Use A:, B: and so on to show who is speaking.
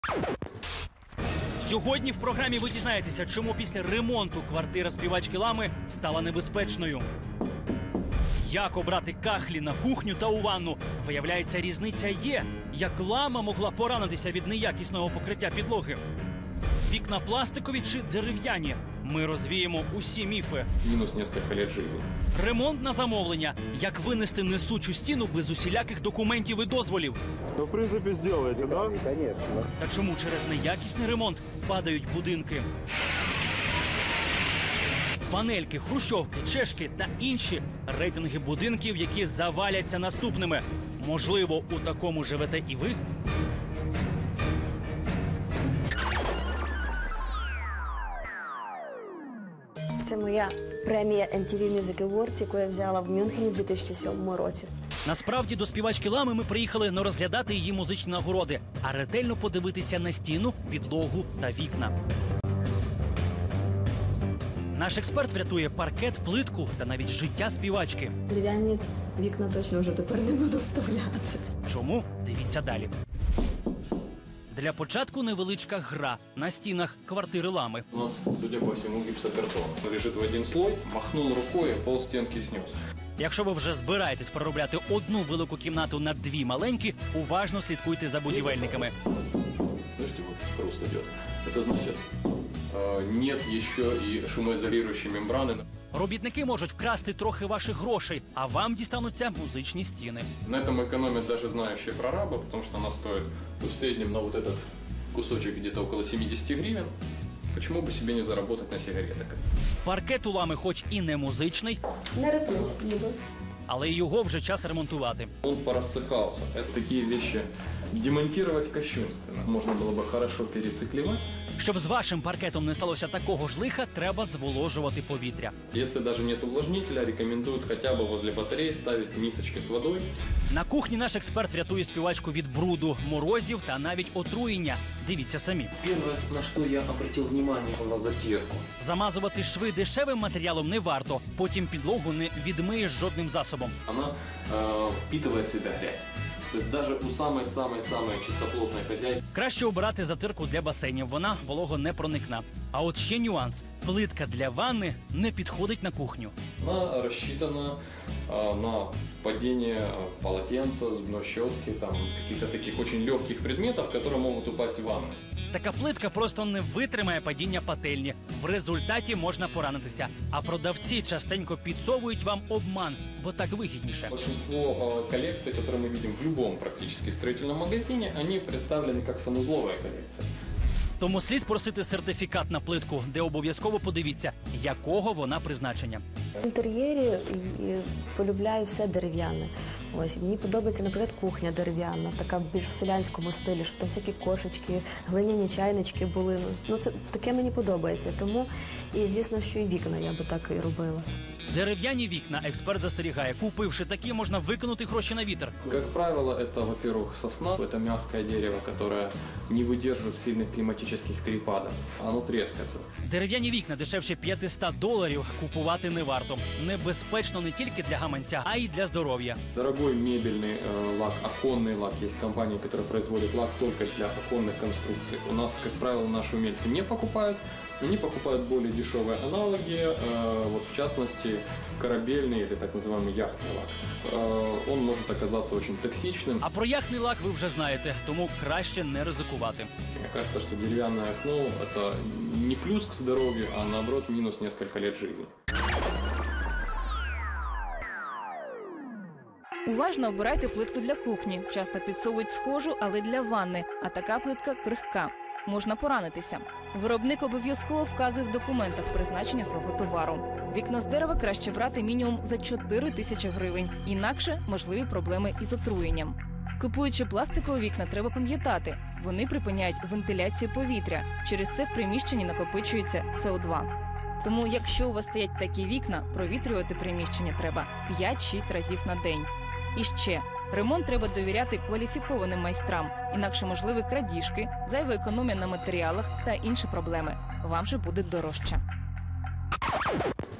A: Сьогодні в програмі ви дізнаєтеся, чому після ремонту квартира співачки Лами стала небезпечною. Як обрати кахлі на кухню та у ванну? Виявляється, різниця є. Як Лама могла поранитися від неякісного покриття підлоги? Вікна пластикові чи дерев'яні? Ми розвіємо усі міфи.
B: Минус несколько лет жизни.
A: Ремонт на замовлення. Як винести несучу стіну без усіляких документів і дозволів?
C: Ну, в принципе, сделаете, да?
D: Конечно.
A: Та чому через неякісний ремонт падають будинки? Панельки, хрущовки, чешки та інші рейтинги будинків, які заваляться наступними. Можливо, у такому живете і ви?
E: Це моя премія MTV Music Awards, яку я взяла в Мюнхені в 2007 році.
A: Насправді до співачки Лами ми приїхали не розглядати її музичні нагороди, а ретельно подивитися на стіну, підлогу та вікна. Наш експерт врятує паркет, плитку та навіть життя співачки.
E: Дерев'яні вікна точно вже тепер не буду вставляти.
A: Чому? Дивіться далі. Для початку невеличка гра на стінах квартири Лами.
B: У нас, судя по всему, гипсокартон. Лежит в один слой, махнул рукой, пол стенки снес.
A: Якщо ви вже збираєтесь переробляти одну велику кімнату на дві маленькі, уважно слідкуйте за будівельниками.
B: Слышите, вот хруст идет. Это значит, нет еще и шумоизолирующей мембраны.
A: Робітники можуть вкрасти трохи ваших грошей, а вам дістануться музичні стіни.
B: На этом экономят даже знающие прорабы, потому что она стоит в среднем на вот этот кусочек где-то около 70 гривен. Почему бы себе не заработать на сигаретах?
A: Паркет у Лами хоч і не музичний,
E: Не реплють, ніби.
A: але й його вже час ремонтувати.
B: Он порассыхался. Это такие вещи демонтировать кощунственно. Можно было бы хорошо перециклевать.
A: Щоб з вашим паркетом не сталося такого ж лиха, треба зволожувати повітря.
B: Если даже нет увлажнителя, рекомендуют хотя бы возле батареи ставить мисочки с водой.
A: На кухні наш експерт врятує співачку від бруду, морозів та навіть отруєння. Дивіться самі.
F: Первое, на что я обратил внимание,
B: На затирку.
A: Замазувати шви дешевим матеріалом не варто, потім підлогу не відмиєш жодним засобом.
B: Она впитывает в себя грязь. То есть даже у самой-самой-самой чистоплотной хозяйки.
A: Краще обирати затирку для басейнів, вона вологонепроникна. А от ще нюанс. Плитка для ванни не підходить на кухню.
B: Она рассчитана на падение полотенца, зубной щетки, там каких-то таких очень легких предметов, которые могут упасть в ванну.
A: Така плитка просто не витримає падіння пательні. В результаті можна поранитися. А продавці частенько підсовують вам обман, бо так вигідніше.
B: Большинство коллекций, которые мы видим в любом практически строительном магазине, они представлены как санузловая коллекция.
A: Тому слід просити сертифікат на плитку, де обов'язково подивіться, якого вона призначення.
E: В інтер'єрі полюбляю все дерев'яне. Ось мені подобається, наприклад, кухня дерев'яна, така більш в селянському стилі, щоб там всякі кошечки, глиняні чайнички були. Ну це таке мені подобається. Тому і звісно, що і вікна я би так і робила.
A: Дерев'яні вікна, експерт застерігає, купивши такі, можна викинути гроші на вітер.
B: Как правило, это, во-первых, сосна. Это мягкое дерево, которое не выдерживает сильных климатических перепадов. Оно трескается.
A: Дерев'яні вікна дешевше $500 купувати не варто. Небезпечно не тільки для гаманця, а й для здоров'я.
B: Дорогой мебельный лак, оконный лак. Есть компании, которые производят лак только для оконных конструкций. У нас, как правило, наши умельцы не покупают. Они покупают более дешевые аналоги, вот в частности корабельный или так называемый яхтный лак. Он может оказаться очень токсичным.
A: А про яхтний лак ви вже знаєте, тому краще не ризикувати.
B: Мне кажется, что деревянное окно – это не плюс к здоровью, а наоборот минус несколько лет жизни.
G: Уважно обирайте плитку для кухні. Часто підсовують схожу, але для ванни. А така плитка крихка. Можна поранитися. Виробник обов'язково вказує в документах призначення свого товару. Вікна з дерева краще брати мінімум за 4 тисячі гривень. Інакше можливі проблеми із отруєнням. Купуючи пластикові вікна, треба пам'ятати, вони припиняють вентиляцію повітря. Через це в приміщенні накопичується СО2. Тому, якщо у вас стоять такі вікна, провітрювати приміщення треба 5-6 разів на день. І ще, ремонт треба довіряти кваліфікованим майстрам, інакше можливі крадіжки, зайва економія на матеріалах та інші проблеми. Вам же буде дорожче.